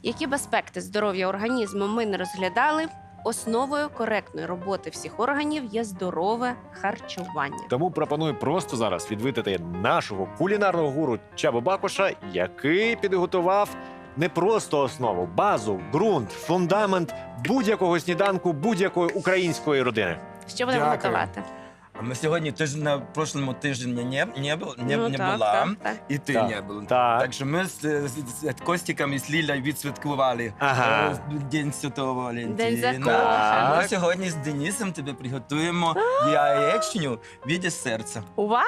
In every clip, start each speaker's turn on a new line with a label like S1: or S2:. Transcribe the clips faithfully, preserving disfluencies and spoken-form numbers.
S1: Які б аспекти здоров'я організму ми не розглядали, основою коректної роботи всіх органів є здорове харчування.
S2: Тому пропоную просто зараз відвідати нашого кулінарного гуру Чабу Бакуша, який підготував не просто основу, базу, ґрунт, фундамент будь-якого сніданку будь-якої української родини.
S1: Що будемо
S3: Дякую.
S1: готувати?
S3: А ми сьогодні теж на прошлому тижні не, не, бу- не,
S1: Ну,
S3: не
S1: так,
S3: була,
S1: так, так.
S3: і ти
S2: Так,
S3: не був.
S2: так.
S3: Так що ми з, з, з Костіком і з Лілею відсвяткували
S2: Ага.
S3: е, День Святого Валентина.
S1: День закоханих.
S3: А ми
S2: Так.
S3: сьогодні з Денисом тобі приготуємо яєчню в віді серця.
S1: Вау!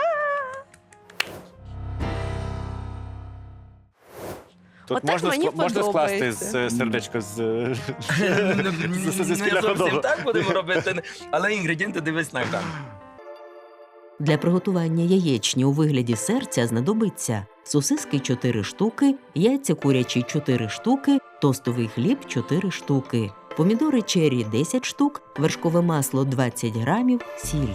S2: Тут
S1: Отак
S2: можна,
S1: мені
S2: скла- можна скласти
S1: подобається.
S2: з е, сердечко з, е,
S3: Ну,
S2: з- з- зі
S3: Не
S2: спільного
S3: зовсім
S2: дому.
S3: так будемо робити, але інгредієнти дивись на екран.
S4: Для приготування яєчні у вигляді серця знадобиться сосиски чотири штуки, яйця курячі чотири штуки, тостовий хліб чотири штуки, помідори чері десять штук, вершкове масло двадцять грамів, сіль.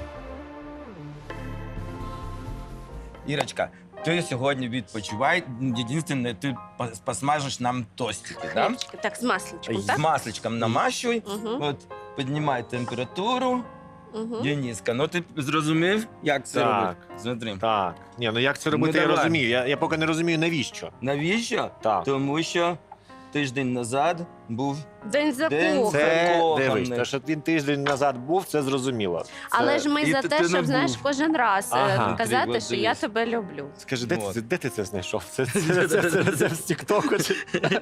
S3: Ірочка, ти сьогодні відпочивай. Єдине, ти пос- посмажеш нам тостики, да?
S1: Хлібчики. Так, з масличком,
S3: З
S1: так?
S3: масличком намащуй.
S1: Угу,
S3: От, піднімай температуру.
S1: угу.
S3: Дениска, ну ти зрозумів, як це
S2: Так.
S3: робити? Смотри.
S2: Так. Ні, ну як це робити,
S3: Ну,
S2: я
S3: давай.
S2: розумію. Я, я поки не розумію, навіщо.
S3: Навіщо?
S2: Так.
S3: Тому що тиждень назад був.
S1: День
S3: День
S1: закоханих.
S2: Це,
S3: Закоханий.
S2: дивись, те, що він тиждень назад був, це зрозуміло.
S1: Але
S3: Це-
S1: ж ми
S3: і
S1: за
S3: ти-
S1: те,
S3: ти не
S1: щоб, знаєш,
S3: був.
S1: кожен раз е,
S2: Ага.
S1: казати,
S3: Ти, от
S1: що я
S3: дивись.
S1: тебе люблю.
S2: Скажи, де,
S3: Вот.
S2: ти, де ти це знайшов? Це, це, це, це, це, це з Тіктоку? чи-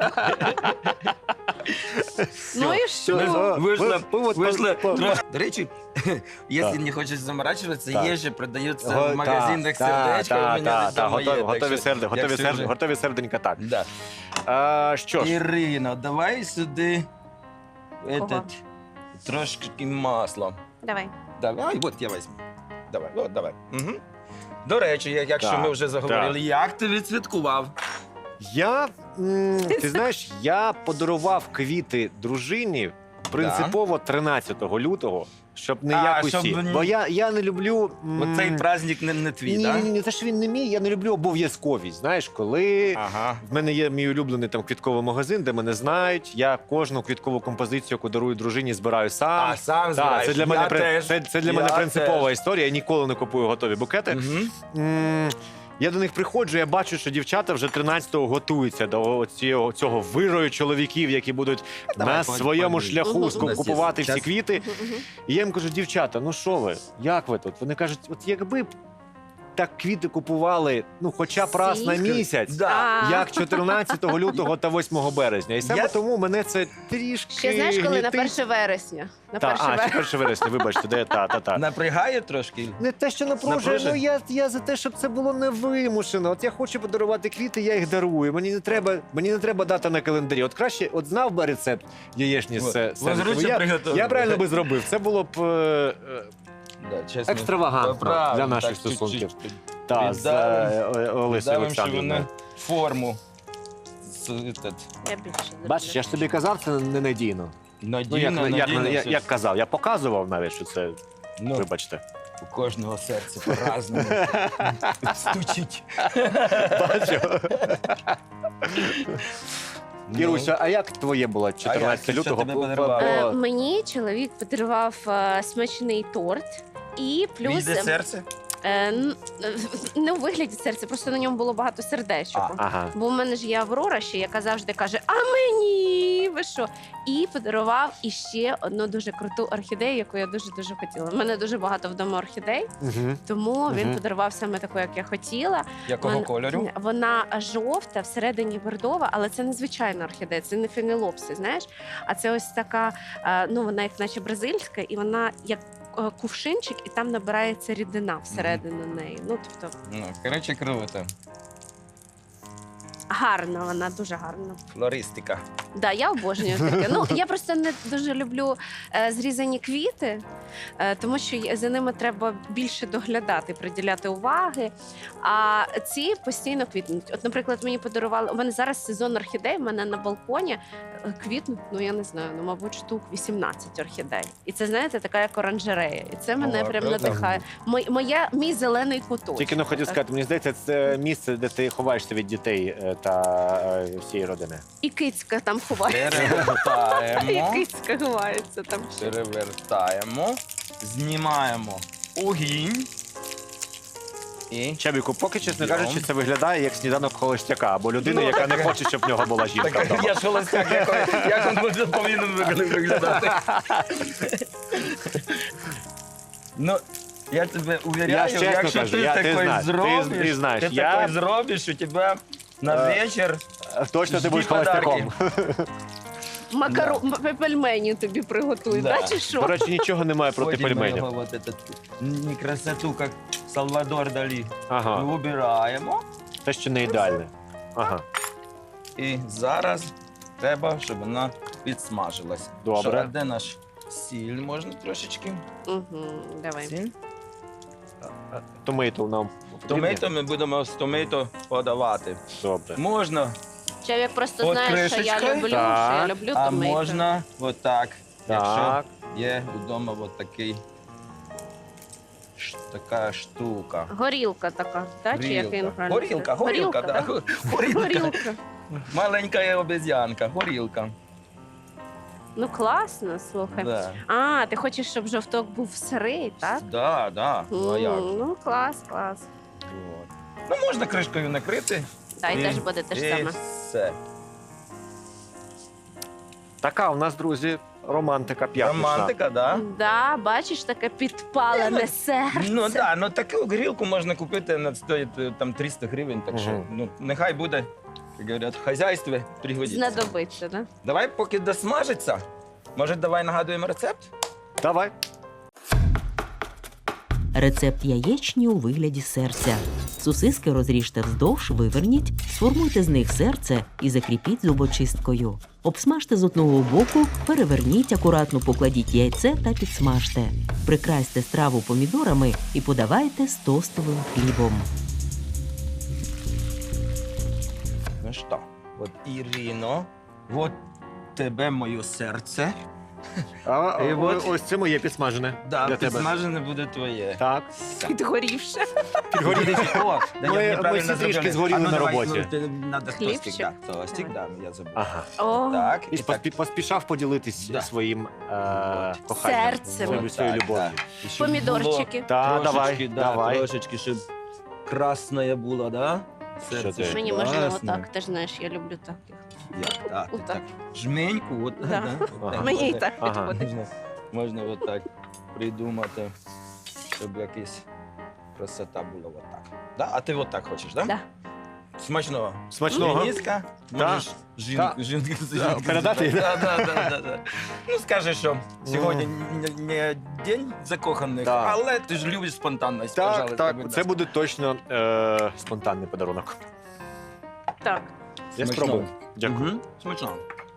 S1: Ну і що?
S2: О,
S3: Вийшла,
S2: ви- ви от
S3: вийшла
S2: по- по-
S3: трохи. До речі, якщо
S2: Так.
S3: не хочеш заморачуватися,
S2: Так.
S3: є же продаються
S2: Го-
S3: в магазинах
S2: та,
S3: сердечка.
S2: та,
S3: у мене
S2: та, та,
S3: вдома є,
S2: готові,
S3: так
S2: готові,
S3: що,
S2: серде, готові,
S3: якщо
S2: серде,
S3: вже-
S2: готові серденька, так.
S3: Да.
S2: А, що ж,
S3: Ірино, давай сюди
S1: Кого?
S3: этот, трошки масла.
S1: Давай.
S3: Давай, от я візьму. Давай, от, давай. Угу. До речі, я- якщо
S2: Так,
S3: ми вже заговорили, як ти відсвяткував?
S2: я, м, ти знаєш, я подарував квіти дружині принципово тринадцятого лютого, щоб не
S3: А,
S2: як
S3: щоб
S2: усі.
S3: ні-
S2: Бо я, я не люблю... м,
S3: Оцей праздник не, не твій,
S2: ні,
S3: так?
S2: ні, ні, те, що він не мій, я не люблю обов'язковість. Знаєш, коли
S3: Ага.
S2: в мене є мій улюблений там квітковий магазин, де мене знають, я кожну квіткову композицію, яку дарую дружині, збираю сам.
S3: А, сам
S2: Так,
S3: збираєш.
S2: це для мене
S3: Я
S2: при-
S3: теж.
S2: це, це для
S3: Я
S2: мене принципова
S3: теж.
S2: історія. Я ніколи не купую готові букети.
S3: Мгм.
S2: М, Я до них приходжу, я бачу, що дівчата вже тринадцятого готуються до цього, цього вирою чоловіків, які будуть
S3: Давай,
S2: на
S3: по-
S2: своєму
S3: по-
S2: шляху
S1: Мгм.
S2: ску- купувати всі
S3: Час.
S2: квіти.
S1: Мгм, мгм.
S2: І я їм кажу, дівчата, ну що ви, як ви тут? Вони кажуть, от якби б так квіти купували, ну хоча б раз на
S1: Всі?
S2: місяць.
S3: Да.
S1: А.
S2: Як чотирнадцятого лютого та восьмого березня. І саме
S3: Я-
S2: тому мене це трішки
S1: Ще знаєш, коли на
S2: гнітить.
S1: перше вересня? На
S2: Та,
S1: перше
S2: а, чи
S1: вересня.
S2: перше вересня, вибачте, де та, та, та.
S3: Напрягає трошки?
S2: Не те, що напружує,
S3: Напружує?
S2: ну я, я за те, щоб це було невимушено. От я хочу подарувати квіти, я їх дарую. Мені не треба, мені не треба дата на календарі. От краще, от знав би рецепт яєчні з
S3: Вот.
S2: серцем.
S3: Возручно
S2: Я,
S3: приготовили.
S2: я правильно би зробив. Це було б е, е,
S3: Да, чесно.
S2: екстравагантно
S3: Правильно,
S2: для наших
S3: так,
S2: стосунків.
S3: чуть-чуть
S2: Та, з е, О- Олесею
S3: Віддавим, що вони
S2: Олександрівною.
S3: форму. З, этот,
S1: Я більше не
S2: Бачиш, я ж тобі казав, це ненадійно.
S3: надійно,
S2: Ну, як, як,
S3: надійно,
S2: як,
S3: все.
S2: як казав, я показував навіть, що це,
S3: Ну,
S2: вибачте.
S3: у кожного серце по-разному стучить.
S2: Бачу.
S3: Ну,
S2: Іруся, а як твоє було чотирнадцятого
S3: Що
S2: лютого?
S3: тобі
S2: Бо-
S3: подарували?
S2: бо-
S1: Е, Мені чоловік подарував е, смачний торт. І плюс
S3: Віде серце?
S1: е, н- не у вигляді серця, просто на ньому було багато сердечок.
S3: А.
S2: Ага.
S1: Бо в мене ж є Аврора ще, яка завжди каже: а мені ви що? І подарував іще одну дуже круту орхідею, яку я дуже дуже хотіла. У мене дуже багато вдома орхідей,
S2: Угу.
S1: тому він
S2: Мгм.
S1: подарував саме таку, як я хотіла.
S3: Якого
S1: Вон-
S3: кольору?
S1: Вона жовта, всередині бордова, але це не звичайна орхідея, це не фенелопси, знаєш. А це ось така, е, ну вона як наче бразильська, і вона як е, кувшинчик, і там набирається рідина всередину неї. Ну тобто
S3: Ну, коротше, круто.
S1: гарна, вона дуже гарна.
S3: Флористика.
S1: Да, я обожнюю таке. Ну я просто не дуже люблю е, зрізані квіти, е, тому що є- за ними треба більше доглядати, приділяти уваги. А ці постійно квітнуть. От, наприклад, мені подарували. У мене зараз сезон орхідей. У мене на балконі е, квітнуть, ну я не знаю, ну мабуть, штук вісімнадцять орхідей. І це знаєте, така як оранжерея. І це мене
S3: О,
S1: прям
S3: круто.
S1: надихає. Мой, моя мій зелений куточок.
S2: Тільки ну хотів
S1: Так.
S2: сказати, мені здається, це місце, де ти ховаєшся від дітей е, решта е, всієї родини.
S1: І кицька там ховається. І
S3: Перевертаємо.
S1: кицька ховається там ще.
S3: Перевертаємо. Знімаємо огінь. І
S2: Чабіку, поки, чесно
S3: Йом.
S2: кажучи, це виглядає як сніданок холостяка або людини, яка не хоче, щоб в нього була жінка
S3: так,
S2: вдома.
S3: я ж холостяк, як, як він буде- повинен вигля- виглядати. Ну, я тебе уверяю,
S2: Я ж чесно
S3: якщо
S2: кажу,
S3: ти
S2: я- ти
S3: такий
S2: знаєш, ти-
S3: зробиш,
S2: ти знаєш,
S3: ти
S2: я-
S3: такий зробиш, у тебе на
S2: Е,
S3: вечір
S2: Точно ти
S3: жди
S2: будеш
S3: подарки.
S2: холостяком.
S1: Макару... м- пельмені тобі приготують,
S3: Да.
S1: да. чи що?
S2: До речі, нічого немає проти
S3: Потім ми
S2: пельменів.
S3: його вот этот, не красоту, як Салвадор Далі.
S2: Ага,
S3: Убираємо.
S2: це ще не ідеальне. Ага,
S3: І зараз треба, щоб вона підсмажилась.
S2: Добре.
S3: Що, де наш сіль можна трошечки?
S1: Угу, давай.
S3: Сіль.
S2: томейто нам потрібні?
S3: Томейто ми будемо з томейто подавати.
S2: Добре.
S3: Можна,
S1: Чоловік просто
S3: От
S1: знає, що я
S3: кришечкою?
S1: люблю,
S2: Так.
S1: що я люблю
S3: а
S1: томейто.
S3: можна отак. Якщо
S2: Так,
S3: є вдома от такий, ш- така штука.
S1: Горілка така, так? Чи як він правильно?
S3: Горілка,
S1: сказав?
S3: горілка, да.
S1: да?
S3: Горілка.
S1: Горілка.
S3: Маленька обезьянка, горілка.
S1: Ну класно, слухай.
S3: Да.
S1: А, ти хочеш, щоб жовток був сирий, так?
S3: Да, да. Ну, а як?
S1: М, ну, клас, клас.
S3: От. Ну, можна кришкою накрити.
S1: Та й
S3: І-
S1: теж буде те ж
S3: і
S1: саме.
S3: все.
S2: така у нас, друзі, романтика п'ятнична.
S3: Романтика, да?
S1: Да, бачиш, таке підпалене серце.
S3: Ну да, ну таку грілку можна купити, вона стоїть е, там триста гривень, так що
S2: Мгм.
S3: ну, нехай буде, як говорять, в хазяйстві пригодиться.
S1: Знадобиться, да?
S3: Давай, поки досмажиться, може, давай нагадуємо рецепт?
S2: Давай.
S4: Рецепт яєчні у вигляді серця. Сосиски розріжте вздовж, виверніть, сформуйте з них серце і закріпіть зубочисткою. Обсмажте з одного боку, переверніть, акуратно покладіть яйце та підсмажте. Прикрасьте страву помідорами і подавайте з тостовим хлібом.
S3: Ну що, от Ірино, от тебе моє серце.
S2: А,
S3: І
S2: о-
S3: от-
S2: ось це моє підсмажене.
S3: Да,
S2: для тебе.
S3: підсмажене буде твоє.
S2: Так.
S1: Підгорівше.
S2: Підгоріли.
S3: О, да,
S2: Ми-
S3: я неправильно
S2: ми всі трішки
S3: зробив.
S2: згоріли
S3: А ну,
S2: на
S3: давай,
S2: роботі.
S3: ну, ти- Надо
S1: Хлібчик?
S3: тостик, да, тостик, да, я забув.
S2: Ага.
S1: О,
S3: Так,
S2: І
S3: і так.
S2: поспі- поспішав поділитись
S3: Да.
S2: своїм е,
S3: От.
S2: коханням.
S1: Серцем.
S2: Своєю- своєю
S3: Так,
S2: любов'ю.
S3: так. І щоб
S1: помідорчики.
S2: Та,
S3: було
S2: давай,
S3: трошечки, да,
S2: давай.
S3: Трошечки, щоб красне було, да?
S2: Що
S3: Серце
S2: ти?
S3: ж
S1: Мені можна
S3: класне.
S1: отак, ти ж знаєш, я люблю так.
S3: Як, так, ти
S1: Отак.
S3: так. Жменьку, от,
S1: Да.
S3: да.
S2: Ага.
S3: так,
S1: Мені і
S3: от,
S1: так
S2: Ага.
S1: підходить.
S3: Можна, можна отак придумати, щоб якась красота була отак. Да? А ти отак хочеш, да?
S1: Да.
S3: Смачного.
S2: Смачного.
S3: Дениска, можеш жінку,
S2: Да.
S3: жінку,
S2: Да,
S3: жінку
S2: передати?
S3: Да, да, да, да, да. Ну, скажи, що сьогодні не, не день закоханих,
S2: Да.
S3: але ти ж любиш спонтанність,
S2: Так,
S3: пожалуйста,
S2: так,
S3: будь
S2: це
S3: ласка.
S2: буде точно е, спонтанний подарунок.
S1: Так.
S2: Я
S3: Смачного.
S2: спробую. Дякую.
S3: Мгм. Смачного.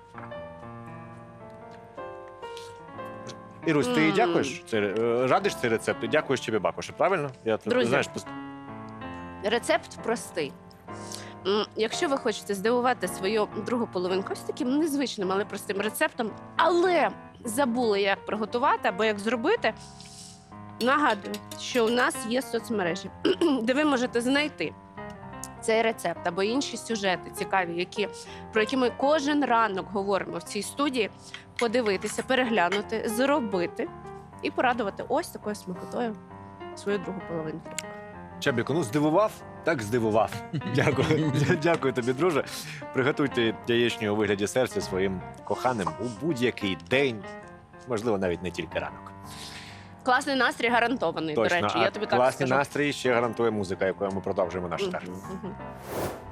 S2: Ірусь, ти
S1: Мм.
S2: дякуєш? Це, е, радиш цей рецепт? І дякуєш Чебі Бакушу, правильно? Я тут,
S1: Друзі.
S2: знаєш, пос-
S1: Рецепт простий. М, Якщо ви хочете здивувати свою другу половинку ось таким незвичним, але простим рецептом, але забули, як приготувати або як зробити, нагадую, що у нас є соцмережі, де ви можете знайти цей рецепт або інші сюжети цікаві, які, про які ми кожен ранок говоримо в цій студії, подивитися, переглянути, зробити і порадувати ось такою смакотою свою другу половинку.
S2: Чебіку, ну здивував, так здивував. Дякую. Дякую тобі, друже. Приготуйте яєчню у вигляді серця своїм коханим у будь-який день, можливо, навіть не тільки ранок.
S1: Класний настрій гарантований,
S2: Точно,
S1: до речі,
S2: а
S1: я тобі так
S2: класний
S1: скажу.
S2: настрій ще гарантує музика, якою ми продовжуємо наш
S1: Мгм,
S2: старт.
S1: мгм.